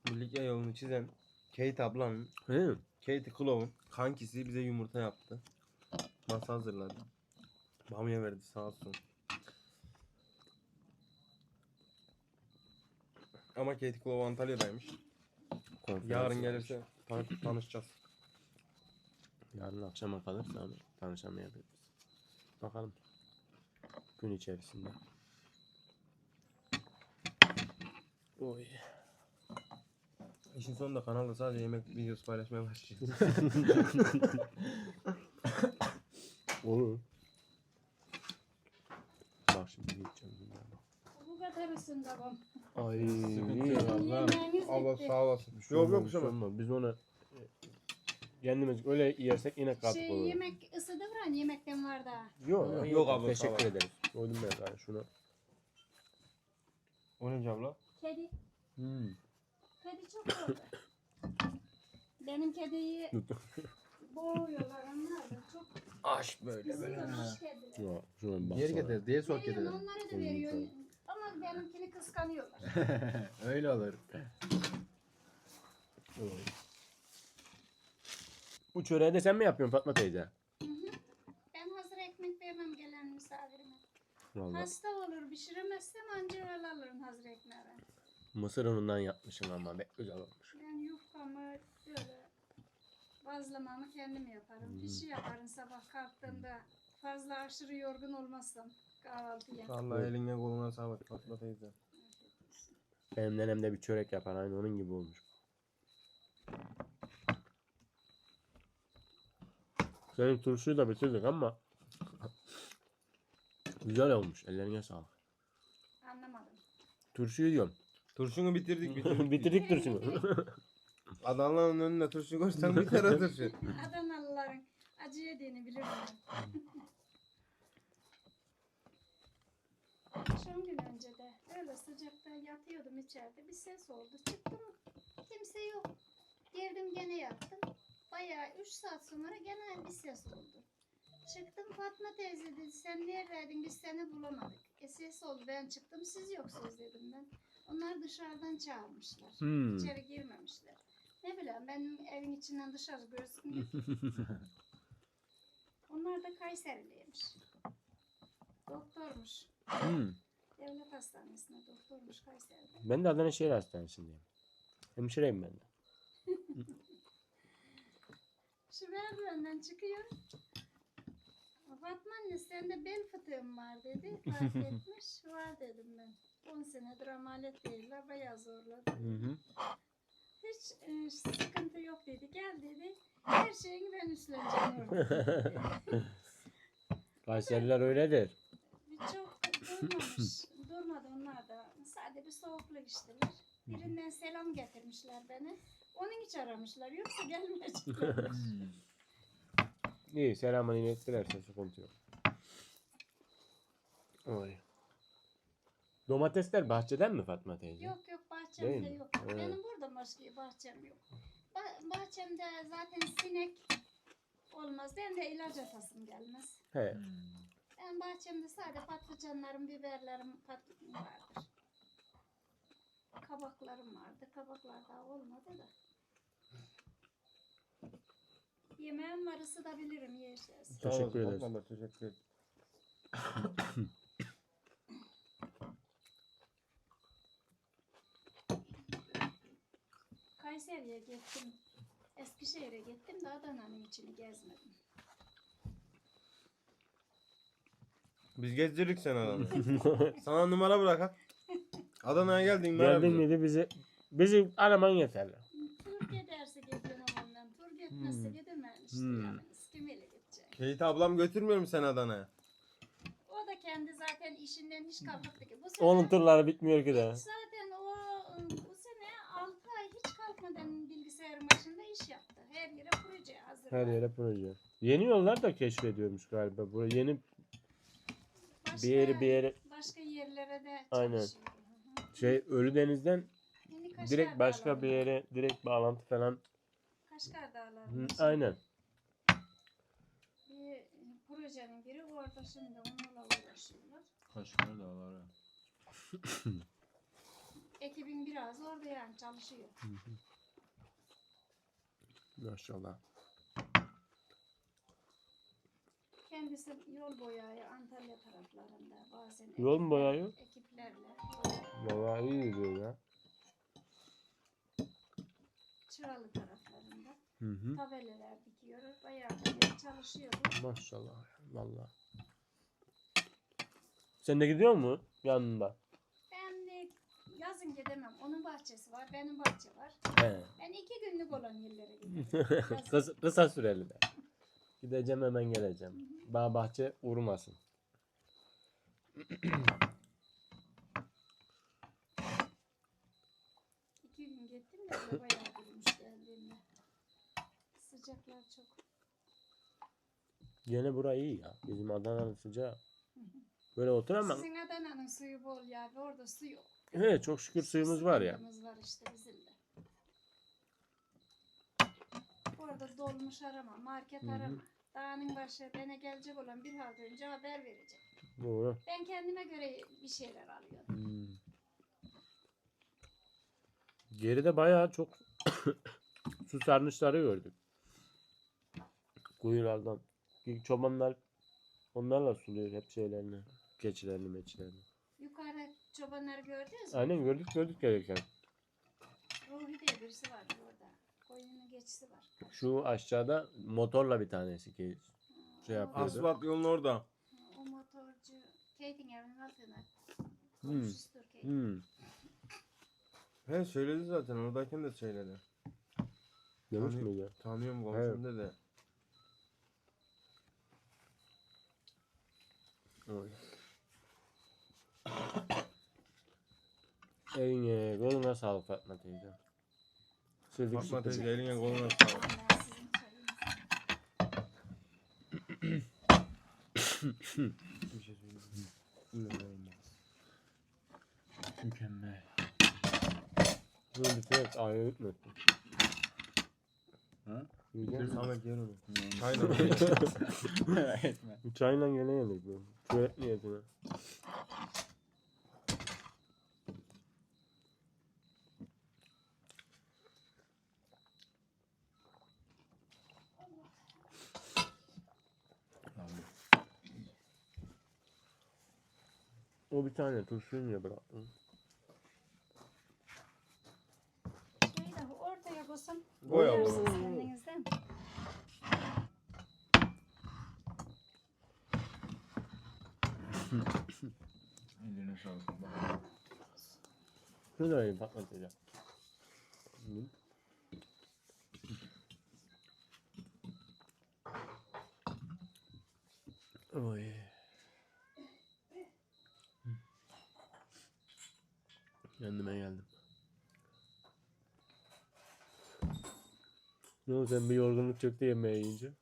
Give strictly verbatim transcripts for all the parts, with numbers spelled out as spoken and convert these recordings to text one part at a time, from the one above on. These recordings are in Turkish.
Likya yolunu çizen Kate ablanın, He. Kate Clove'un kankisi bize yumurta yaptı. Masa hazırladı. Bamya verdi sağ olsun. Ama Kate Clove Antalya'daymış. Konferans Yarın var. gelirse tan tanışacağız. Yarın akşama kalırsa ama tanışamayabiliriz. Bakalım. Gün içerisinde. Oy. İşin sonunda kanalda sadece yemek videosu paylaşmaya başlayacağız. Olur. Bak şimdi yiyeceğim. Bu kadar ısın babam. Ay. Sıkıntı yok abla. Yemeğiniz Allah bitti. sağ olasın. Bir şey Yok olmaz, yok bir bir şey şey olmaz. olmaz. Biz onu e, kendimiz öyle yersek yine katık Şey olur. yemek ısıdı mı? Yemekten var daha. Yok, Yok, yok abla, teşekkür sağ ol. ederiz. Koydum ben sana şunu. O ne abla? Kedi. Hmm. Kedi çok oldu. Benim kediyi boğuyorlar onlar da çok Aş böyle ısıtılmış kediler. Yok, şuna bak. Geri getir diye sok Veriyorum edelim. onlara da veriyorum. Ama benimkini kıskanıyorlar. Öyle olur. Bu çöreği de sen mi yapıyorsun Fatma teyze? Hı hı. Ben hazır ekmek vermem gelen misafirime. Vallahi. Hasta olur pişiremezsem anca öyle alırım hazır ekmeği ben. Mısır unundan yapmışım ama be güzel olmuş. Ben yufkamı böyle bazlamamı kendim yaparım. Hmm. Pişi yaparım sabah kalktığımda fazla aşırı yorgun olmazsam kahvaltıya. Vallahi eline koluna sağlık Fatma teyze. Benim nenem de bir çörek yapar aynı onun gibi olmuş. Senin turşuyu da bitirdik ama güzel olmuş. Ellerine sağlık. Anlamadım. Turşuyu diyorum. Turşunu bitirdik bitirdik. Bitirdik turşunu. Adana'nın önüne turşu koysan biter o turşu. Adanalıların acı yediğini bilirim ben. Son gün önce de öyle sıcakta yatıyordum içeride. Bir ses oldu. Çıktım. Kimse yok. Girdim gene yattım. Bayağı üç saat sonra gene bir ses oldu. Çıktım Fatma teyze dedi sen neredeydin biz seni bulamadık. E ses oldu ben çıktım siz yoksunuz dedim ben. Onlar dışarıdan çağırmışlar. Hmm. İçeri girmemişler. Ne bileyim benim evin içinden dışarı görsün. Onlar da Kayseriliymiş. Doktormuş. Hmm. Devlet hastanesinde doktormuş Kayseri'de. Ben de Adana Şehir Hastanesi'ndeyim. Hemşireyim ben de. Şu merdivenden çıkıyor. Fatma anne sende bel fıtığım var dedi. Fark etmiş. Var dedim ben. on senedir ameliyat değiller. Bayağı zorladı. Hı hı. Hiç e, sıkıntı yok dedi. Gel dedi. Her şeyini ben üstleneceğim orada. Kayseriler öyledir. Çok durmamış. Durmadı onlar da. Sadece bir soğukluk içtiler. Birinden selam getirmişler beni. Onun için aramışlar. Yoksa gelmeyecekler. İyi selamını ilettilerse sıkıntı yok. Oy. Domatesler bahçeden mi Fatma teyze? Yok yok bahçemde Değil mi? yok. Evet. Benim burada başka bahçem yok. Ba- bahçemde zaten sinek olmaz. Ben de ilaç atasım gelmez. He. Ben bahçemde sadece patlıcanlarım, biberlerim pat vardır. Kabaklarım vardı. Kabaklar daha olmadı da. Yemeğim var ısıtabilirim yiyeceğiz. Sağ olasın Teşekkür ederiz. Fatma abla, teşekkür ederim. Kayseri'ye gittim. Eskişehir'e gittim de Adana'nın içini gezmedim. Biz gezdirdik seni Adana'da. Sana numara bırakak. Adana'ya geldin numara Geldin bize. miydi bizi bizi araman yeterli. Tur giderse gidiyorum ondan. Tur gitmezse Hmm. gidemem işte Hmm. yani. Kimiyle gidecek? Kate ablam götürmüyor mu seni Adana'ya? O da kendi zaten işinden hiç kalkmadı ki. Bu sene, Onun turları bitmiyor ki de. zaten o bu sene altı ay hiç kalkmadan bilgisayarın başında iş yaptı. Her yere proje hazırladı. Her yere proje. Yeni yollar da keşfediyormuş galiba. Bu yeni Başka, bir yeri bir yere başka yerlere de Aynen. çalışıyor. Hı hı. şey Ölüdeniz'den Yeni Kaşgar direkt başka Dağları'nda. bir yere direkt bağlantı falan. Kaşgar Hı, Dağları'nda. şimdi aynen. Bir e, projenin biri orada şimdi onunla uğraşıyorlar. Kaşgar dağları. Ekim ekibin biraz orada yani çalışıyor. Maşallah. Kendisi yol boyayı Antalya taraflarında bazen Yol mu ekipler- boyayıyor? Ekiplerle Vallahi iyi diyor ya. Çıralı taraflarında Hı hı. tabelalar dikiyor. Bayağı da çalışıyor. Maşallah. Vallahi. Sen de gidiyor mu yanında? Ben de yazın gidemem. Onun bahçesi var, benim bahçe var. He. Ben iki günlük olan yerlere gidiyorum. kısa, kısa süreli de. Gideceğim hemen geleceğim. Bağ bahçe vurmasın. İki gün gittim de böyle bayağı durmuş geldiğimde. Sıcaklar çok. Gene burayı iyi ya. Bizim Adana'nın sıcağı. Böyle oturamam. Sizin Adana'nın suyu bol ya. ve Orada su yok. Evet çok şükür suyumuz var ya. Sıkıntımız var işte bizim de. Orada dolmuş arama, market Hı hı. arama. Dağının başı bana gelecek olan bir hafta önce haber verecek. Doğru. Ben kendime göre bir şeyler alıyorum. Hmm. Geride bayağı çok su sarnıçları gördük. Kuyulardan. Çobanlar onlarla suluyor hep şeylerini. Keçilerini meçilerini. Yukarı çobanları gördünüz mü? Aynen gördük gördük gereken. Ruhi diye birisi var orada. Koyunun geçisi var. Şu aşağıda motorla bir tanesi ki şey O- yapıyordu. Asfalt yolun orada. O motorcu Kate'in evinin altına. Hmm. Komşusudur Kate. Hmm. He söyledi zaten oradayken de söyledi. Demiş Hani- miydi? Tanıyorum komşum dedi. Öyle. Eline koluna sağlık Fatma teyze. Sildik Fatma süpürdük. teyze eline koluna sağlık. Ben sizin çayınızı. Bir şey söyleyeyim. İnanılmaz. Mükemmel. Bunu bitirerek ayrı ütmesin. Ha? Yiyeceğim. Samet yer onu. Aynen. Aynen. Merak etme. Çayla gene yedik bu. Çörek niyetine. O bir tane turşuyu niye bıraktın? Şeyi de ortaya koysam. Koy koyarsınız abla. kendinizden. Eline sağlık. Şunu da vereyim Fatma teyze. Hı. Oy. Kendime geldim. Ne oldu sen bir yorgunluk çöktü yemeğe yiyince?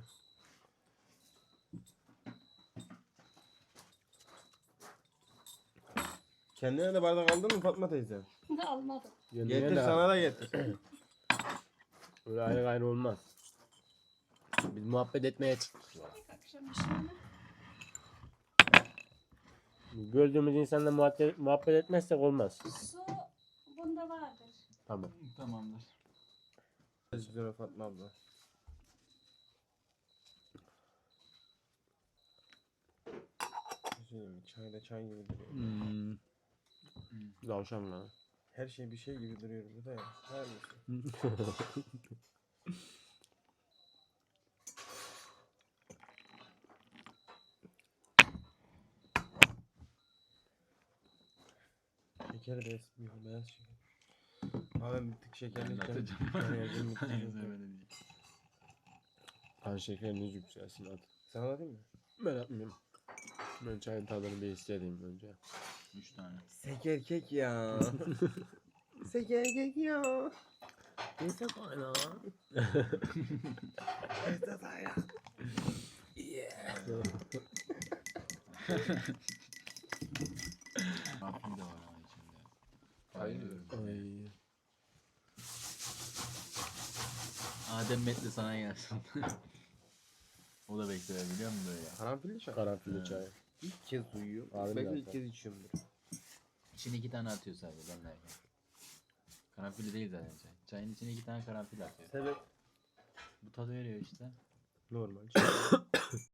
Kendine de bardak aldın mı Fatma teyze? Almadım. Kendine Getir de- sana da getir. Öyle ayrı ayrı olmaz. Biz muhabbet etmeye çıktık. Akşam işini. Gördüğümüz insanla muhabbet, muhabbet etmezsek olmaz. Su bunda vardır. Tamam. Tamamdır. Üzülme Fatma abla. Üzülme çay da çay gibi duruyor. Hmm. Davşan lan. Her şey bir şey gibi duruyor burada ya. Her şey. Şeker de esmiyor, beyaz şeker. Abi ben bir tık şekerli içeceğim. Anlatacağım. Yani yazın bir tık şeker. Öyle değil. Kan şekeriniz yükselsin hadi. Sana da değil mi? Ben yapmıyorum. Ben çayın tadını bir hissedeyim önce. Üç tane. Şeker kek ya. Şeker kek ya. Neyse kaynağı. Neyse ya. Afiyet de var ama içinde. Hayır. Ay. Adem Metli sana gelsin. O da bekler biliyor musun böyle? Karanfilli çay. Karanfilli Evet. çay. İlk kez duyuyor. Harbi Belki zaten. ilk kez içiyorumdur. İçine iki tane atıyor sadece ben derken. Karanfilli değil zaten çay. Çayın içine iki tane karanfil atıyor. Sebep Bu tadı veriyor işte. normal.